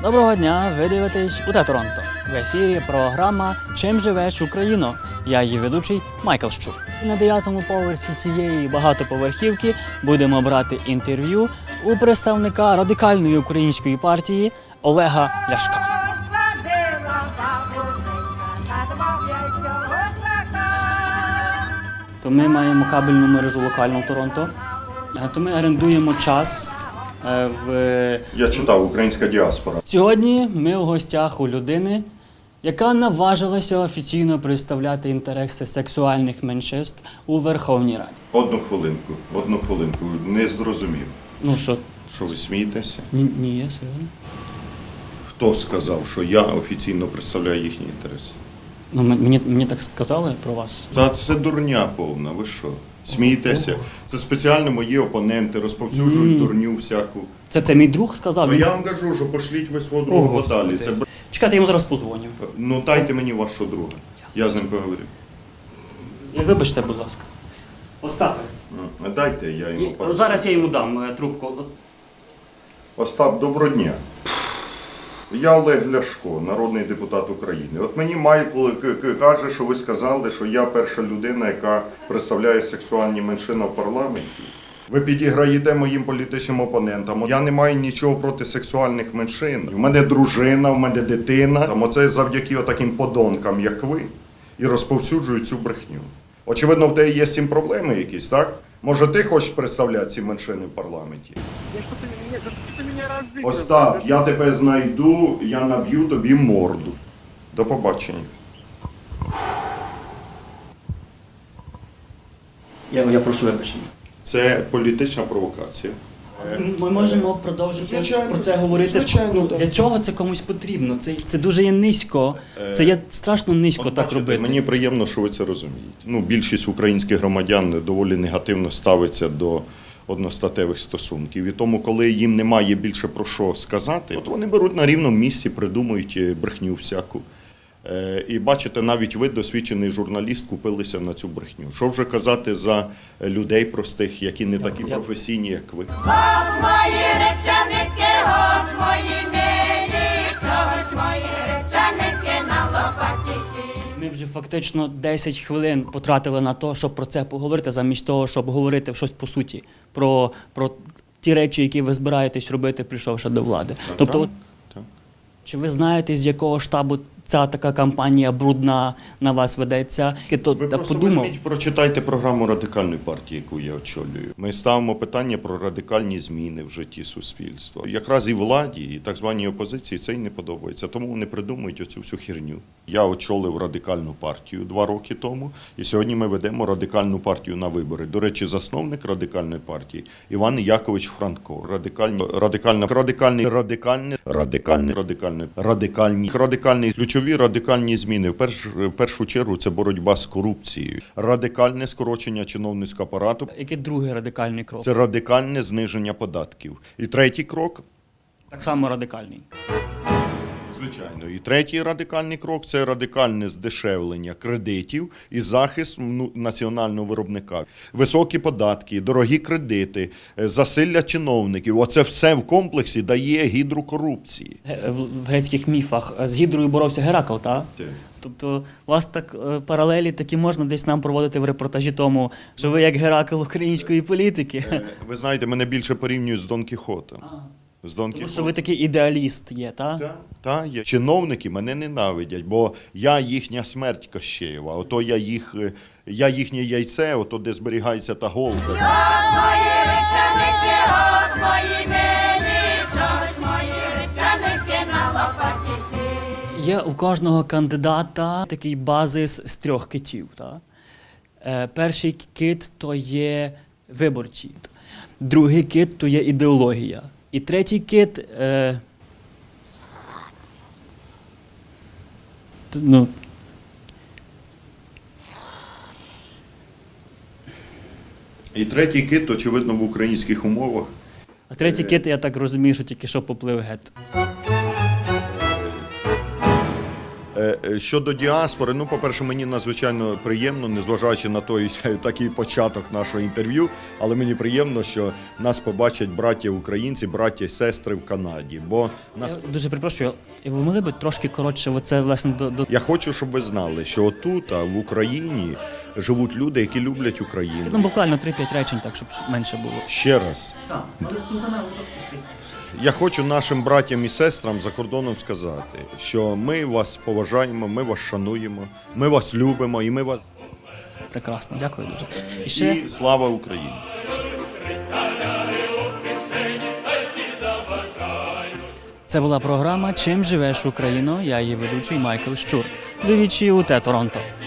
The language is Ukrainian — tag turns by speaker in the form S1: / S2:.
S1: Доброго дня, ви дивитесь УТ Торонто. В ефірі програма «Чим живеш, Україно?». Я її ведучий Майкл Щур. І на 9-му поверсі цієї багатоповерхівки будемо брати інтерв'ю у представника радикальної української партії Олега Ляшка. То ми маємо кабельну мережу локальну в Торонто, то ми орендуємо час в...
S2: Я читав «Українська діаспора».
S1: Сьогодні ми у гостях у людини, яка наважилася офіційно представляти інтереси сексуальних меншинств у Верховній Раді.
S2: Одну хвилинку. Не зрозумів.
S1: Ну що?
S2: Що ви смієтеся?
S1: Ні, я серйозно.
S2: Хто сказав, що я офіційно представляю їхні інтереси?
S1: Ну, мені так сказали про вас.
S2: Та це дурня повна, ви що? Смієтеся? Це спеціально мої опоненти розповсюджують дурню всяку.
S1: Це мій друг сказав?
S2: Ну я вам кажу, що пошліть ви свого друга подалі. Це...
S1: Чекайте, я йому зараз позвоню.
S2: Ну дайте мені вашого друга. Я з ним поговорю.
S1: Вибачте, будь ласка. Остапе.
S2: Дайте, я йому поговорю.
S1: Зараз я йому дам трубку.
S2: Остап, доброго дня. Я Олег Ляшко, народний депутат України. От мені Майкл каже, що ви сказали, що я перша людина, яка представляє сексуальні меншини в парламенті. Ви підіграєте моїм політичним опонентам. Я не маю нічого проти сексуальних меншин. У мене дружина, у мене дитина. Оце завдяки таким подонкам, як ви, і розповсюджують цю брехню. Очевидно, в тебе є з цим проблеми якісь, так? Може, ти хочеш представляти ці меншини в парламенті? Остап, я тебе знайду, я наб'ю тобі морду. До побачення.
S1: Я прошу вибачення.
S2: Це політична провокація.
S1: Ми можемо продовжити
S2: Звичайно,
S1: про це говорити.
S2: звичайно, так.
S1: Для чого це комусь потрібно? Це дуже є низько. Це є страшно низько так
S2: бачите,
S1: робити.
S2: Мені приємно, що ви це розумієте. Більшість українських громадян доволі негативно ставиться до одностатевих стосунків. І тому, коли їм немає більше про що сказати, от вони беруть на рівному місці, придумують брехню всяку. І бачите, навіть ви, досвідчений журналіст, купилися на цю брехню. Що вже казати за людей простих, які не такі професійні, як ви?
S3: От мої речаники, от мої милі, чогось мої речаники на лопаті сі.
S1: Ми вже фактично 10 хвилин потратили на те, щоб про це поговорити, замість того, щоб говорити щось по суті, про ті речі, які ви збираєтесь робити, прийшовши до влади. Тобто,
S2: Так.
S1: чи ви знаєте, з якого штабу ця така кампанія брудна на вас ведеться?
S2: Ви
S1: так
S2: просто
S1: подумав.
S2: візьміть, прочитайте програму Радикальної партії, яку я очолюю. Ми ставимо питання про радикальні зміни в житті суспільства. Якраз і владі, і так званій опозиції це й не подобається, тому вони придумують оцю всю херню. Я очолив Радикальну партію 2 роки тому, і сьогодні ми ведемо Радикальну партію на вибори. До речі, засновник Радикальної партії Іван Якович Франко. Радикальні. Ключові радикальні зміни. В першу чергу це боротьба з корупцією. Радикальне скорочення чиновницького апарату.
S1: Який другий радикальний крок?
S2: Це радикальне зниження податків. І третій крок.
S1: Так само радикальний.
S2: Звичайно. І третій радикальний крок – це радикальне здешевлення кредитів і захист національного виробника. Високі податки, дорогі кредити, засилля чиновників – оце все в комплексі дає гідру корупції.
S1: В грецьких міфах з Гідрою боровся Геракл, так?
S2: Так.
S1: Тобто у вас так паралелі такі можна десь нам проводити в репортажі тому, що ви як Геракл української політики.
S2: Ви знаєте, мене більше порівнюють з Дон Кіхотом.
S1: Тому що ви такий ідеаліст є, так?
S2: Так, є. Чиновники мене ненавидять, бо я їхня смерть Кощеєва. Ото я їхнє яйце, ото де зберігається та голка.
S3: От мої речаники, от мої милі, чогось мої речаники на лопаті сі.
S1: Є у кожного кандидата такий базис з 3 китів. Так? Перший кит – то є виборці, другий кит – то є ідеологія. І третій кит
S2: І третій кит, очевидно, в українських умовах.
S1: А третій кит, я так розумію, що тільки що поплив геть.
S2: Щодо діаспори, ну, по-перше, мені надзвичайно приємно, незважаючи на той такий початок нашого інтерв'ю, але мені приємно, що нас побачать браття українці, браття і сестри в Канаді. Бо нас
S1: Я дуже перепрошую, ви могли б трошки коротше, оце власне до
S2: я хочу, щоб ви знали, що отут, в Україні, живуть люди, які люблять Україну.
S1: ну, буквально 3-5 речень, так щоб менше було.
S2: Ще раз.
S1: Так, ту саме трошки списуєш.
S2: Я хочу нашим братям і сестрам за кордоном сказати, що ми вас поважаємо, ми вас шануємо, ми вас любимо і ми вас...
S1: Прекрасно, дякую дуже. І ще
S2: І слава Україні!
S1: це була програма «Чим живеш Україно?» Я її ведучий Майкл Щур. Двічі у Торонто.